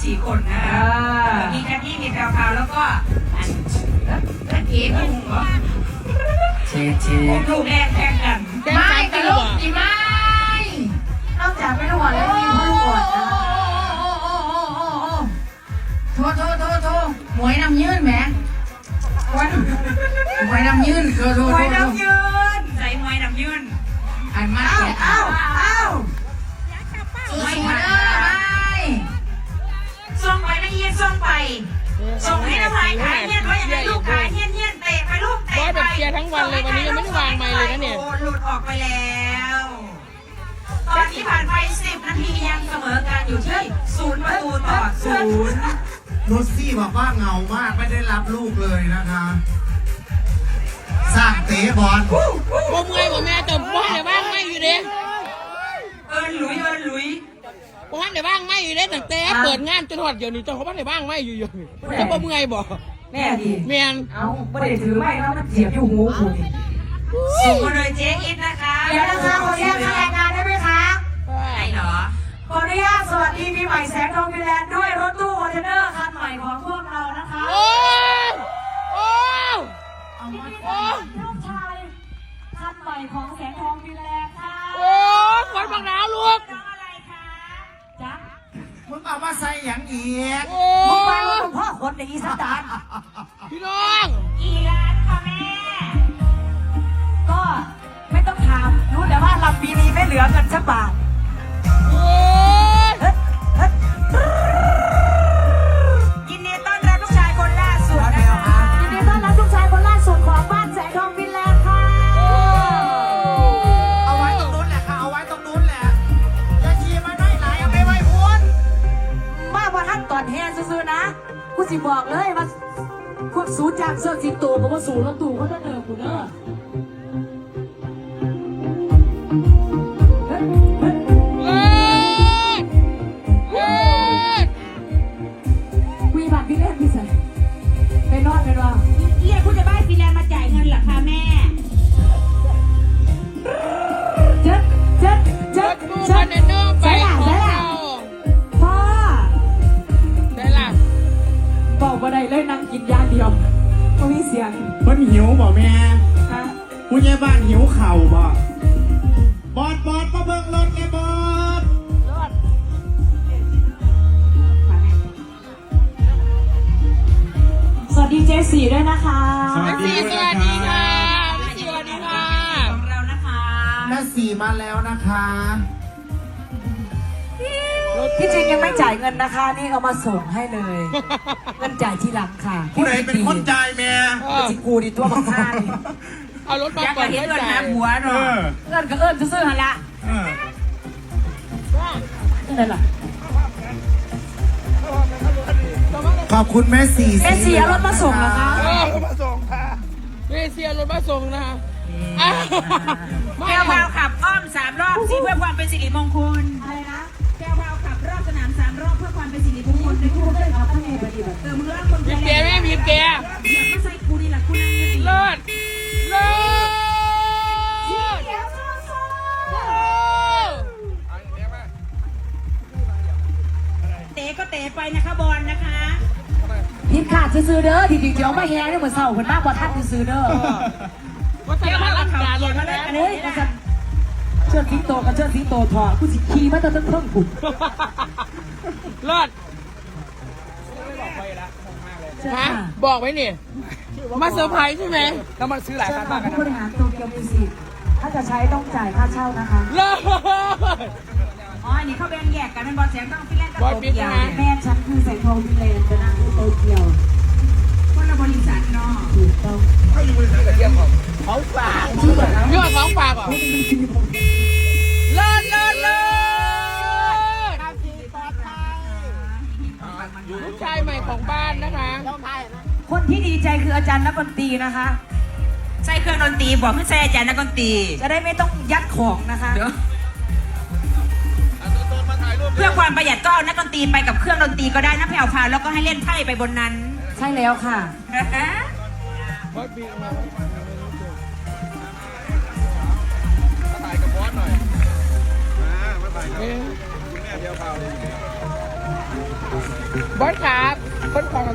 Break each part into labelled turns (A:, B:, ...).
A: 4 คนนะคะมีแคทตี้มีแพรวพาวแล้วก็อันเอ๋พุ่งเหรอ
B: เช
A: ลูกแรกแข่งกัน
C: ไม่แต่ลูกอีไม่นอกจากไม่ลูกอ่อนแล้วมีพ่อลูกอ่อนนะโทหมวยน้ำยืนแหมหมวยน้ำยืนโท
A: มวยน้ำยืนใส่มวยน้ำยืน
C: อันมาเอ้าส่ง
A: ไปนะเยี่ยส่งไปส่งให้น้ำลายขายเยี่ยนไว้อย่างไรลูกขายเยี่ยนเตะไปลูกเตะไป
D: แบบเชียร์ทั้งวันเลยวันนี้ยังไม่ได้วางไมค์เลยนะเนี่ย
A: หลุดออกไปแล้วตอนที่ผ่านไป10 นาทียังเสมอกันอยู่ที่0-0
B: นุชซี่บอกว่าเงามากไม่ได้รับลูกเลยนะคะสร้างเตะบอล
D: ผมไงผมแม่แต่บ้านในบ้านไม่อยู่เด้
A: หลุย
D: บ้านในบ้านไม่อยู่เด้ตั้งแต่เปิดงานจนหอดเดี๋ยวนี้เจ้าเขาบ้านในบ้านไม่อยู่จะผมไงบอก
C: แม่ดี
D: แม่
C: เอาไม่ได้ถือไม่แล้วมันเสียบอยู่หูคุณ
A: ส่งมาเลยเจ๊อิทนะคะ
C: เดี๋ยวนะคะขออนุญาตรายงานได้ไหมคะ
A: ไหนเหรอ
C: ขออนุญาตสวัสดีปีใหม่แสงทองฟินแลนด์ด้วยรถตู้คอนเทนเนอร์คันใหม่ของพวกเรานะคะ
D: โอ้
C: ลูกชายคันใหม่ของแสงทองฟินแลนด์ค่ะ
D: โอ้ขวัญบังหนาวลูก
A: อะไรคะ
C: จ๊ะ
B: มึงเอามาใส่อย่างอีก
C: มึงไปว่าพ่อคนในอีสาน
D: พี่น้อง
A: กี่ล้านคะแม่
C: ก็ไม่ต้องถามรู้แต่ว่าลำปีนี้ไม่เหลือเงินสักบาท
A: ยินดีต้อนรับลูกชายคนล่าสุด
C: นะคะยินดีต้อนรับลูกชายคนล่าสุดของบ้านแสงทองฟินแลนด์ค่ะ
B: เอาไว้ตรงนู้นแหละค่ะเอาไว้ตรงนู้นแหละอย่าขี่มาได้ไหลเอาไปไว้พ้น
C: มาพอท่านก่อนแฮซื่อๆนะกูสิบอกเลยว่าพวกสูจากเสื้อสีตูกับว่าสูรถตู้เขาจะเดินกูเด้อวีบัตรพี่เล่นพี่ใส่ไปนอนไปรอ
A: เรียกคุณจะบ้านฟินแลนด์มาจ่ายเงินเหรอคะแม่
C: เจ๊
D: ไป
C: พ่อ
D: ได้ล่ะ
C: บอกว่าได้เลยนั่งกินยาเดียวไม่มีเสียง
B: มันหิวบ่แม่ผู้ใหญ่บ้านหิวเข่าบ่บอดมาเบิ่งรถไงบอด
C: สวัสดีเจสี่ด้วยนะคะ
D: สวัสดีค่ะ
A: ของเรานะคะ
B: แม่สี่มาแล้วนะคะ
C: ที่จริงยังไม่จ่ายเงินนะคะนี่เอามาส่งให้เลยเงินจ่ายทีหลังค่ะ
B: ผู้ใดเป็นคนจ่ายแม่
C: จิกูดิตัวบักฆ่าดิ
D: เอารถมา
A: เปิดเงินหาหัวเนาะ
C: เงินก็ซื้อหันละนั่นแหละ
B: ขอบคุณแม่สี่
C: เอารถมาส่งนะคะ
D: รถมาส่งค่ะแม่เสียรถมาส่งนะคะ
A: แก้วพาวขับอ้อม3 รอบสิเพื่อความเป็นสิริมงคล
C: อะไรนะ
A: แก้วพาวขับรอบสนาม3 รอบเพื่อความเป็นสิริมงคลในคู่
C: เลยครับท่านเองปฏิบัติ
A: เติมเรื่องคน
D: บีบแกแม่บีบแก
A: อย่ามาใส่กูดีล่ะคุณ
D: เลิศ
A: เตะก็เตะไปนะคะบอลนะคะ
C: พิมพ์ขาดซื้อเด้อทีเดียวไม่แห้งได้เหมือนเสาคนมากกว่าท่านซื้อเด้อ
D: ว่าจะมาลังการเลยนะ
C: เฮ้ยเชิดสิงโตกับเชิดสิงโตถอดกูสิขี่มาตั้งแต่ต้นผุด
D: เลิศบอกไว้นี่มาเซอร์ไพรส์ใช่ไหม
C: แล้วมันซื้อหลายคันมากผู้บริหารโตเกียวมิวสิกถ้าจะใช้ต้องจ่ายค่าเช่านะคะ
D: เลิศ
A: อ๋ออันนี้เขาแบ่งแยกกันเป็นบอลแสงทองฟินแลนด์กับโตเกียว
C: แม่ฉันคือแสงทองฟินแลนด์จะนั่งโตเกียว
A: คนละบริษัทเนาะ
C: ถูกต้อง
D: เขาอยู่บริษัทกระเทียมของฝากยอดของฝากเหรอเลิศลูกชายใหม่ของบ้านนะคะ
C: คนที่ดีใจคืออาจารย์นักดนตรีนะคะ
A: ใส่เครื่องดนตรีบอกให้ใส่อาจารย์นักดนตรี
C: จะได้ไม่ต้องยัดของนะคะ
A: เพื่อความประหยัดก็เอานักดนตรีไปกับเครื่องดนตรีก็ได้นะแผ่วพาแล้วก็ให้เล่นไพ่ไปบนนั้น
C: ใช่แล้วค่ะ
E: ถ่ายกับบอสหน่อยมาถ่ายกับคุณแม่เดียวเปล่าเลย
D: บอสครับคนของ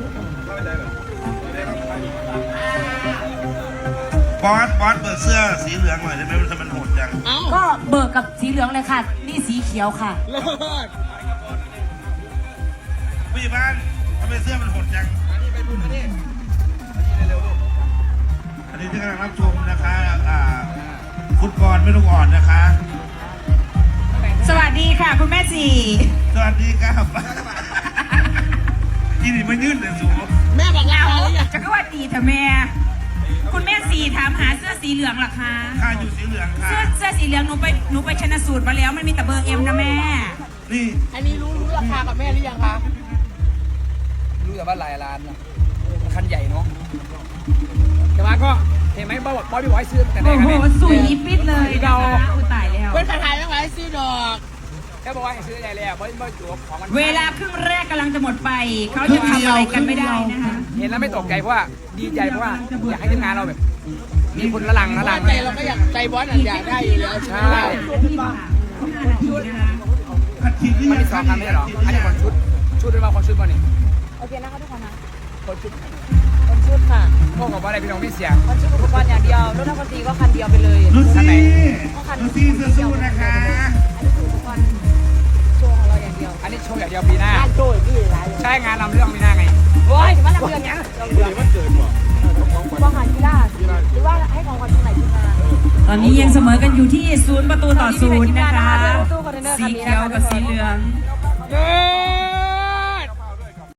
E: บอสเปิดเสื้อสีเหลืองหน่อยได้ไหมมันทำไมมันโหดจัง
D: เอ้า
C: ก็เบิกกับสีเหลืองเลยค่ะ นี่สีเขียวค่ะ
D: เลิศ
E: ผู้ใหญ่บ้านทำไมเสื้อมันโหดจังอันนี้ที่กำลังรับชมนะคะฟุตบอลไม่ต้องอ่อนนะคะ
A: สวัสดีค่ะ คุณแม่จี
E: สวัสดีครับยี่นี่มายื่นเลยสู
D: แม่บอกลา
A: เอา
D: หรือยัง
A: จะก็ว่าดีเถอะแม่ คุณแม่สีถามหาเสื้อสีเหลืองเหรอคะ
E: ข้าอยู่สีเหลืองค่ะ
A: เสื้อสีเหลืองหนูไปชนะสูตรมาแล้วมันมีแต่เบอร์เอ็มนะแม่
E: นี่
D: อันนี้รู้ราคากับแม่หรือยังคะรู้แต่ว่าหลายล้านนะคันใหญ่เนาะแต่ว่าก็เห็นไหมบอสพี่บอยซื้อแต่ไหน
A: โอ้
D: กัน
A: โห
D: เนี่ย
A: สุยปิดเลยนะคะอุยตายแล้ว
D: เป็นขายยังไงซื้อดอกแค่บอกว่าให้ซื้อใหญ่แล้วบอสจูบของมัน
A: เวลาครึ่งแรกกำลังจะหมดไปเขาจะทำอะไรกันไม่ได้นะคะ
D: เห็นแล้วไม่ตกใจเพราะว่าดีใจเพราะว่าอยากให้ทีมงานเราแบบมีคนละลังใจเราก็อยากใจบอสอยากได้อยู่แล้วใช่
E: ขัดขีดหรือ
D: มัน
E: ยัง
D: มีสองคำไม่ใช่หรออันนี้คนชุดด้วยว่าคนชุดบอลนี่
F: โอเคนะคะทุกคนนะ
D: คนชุด
F: คนชุดค่ะ
D: พวกกับว่าอะไรพี่น้องไม่เสียง
F: คนชุดอุปกรณ์อย่างเดียวรถนักดนตรีก็คันเดียวไปเลย
E: ลูซี่สู้ๆนะคะ
F: อันนี้คืออุปกรณ์โชว์ของเราอย่างเดียว
D: อันนี้โชว์อย่างเดียวปีหน้า
F: โชว์ที่หลาย
D: ใช่งานนำเรื่องปีหน้าไง
F: โอ้ยถือว่าเราเดือนยังบอลหันกีฬาหรือว่าให้ของขวัญตรงไหนขึ้นมา
A: ตอนนี้ยังเสมอกันอยู่ที่0-0นะคะสีเขียวกับสีเหลือง
D: เย้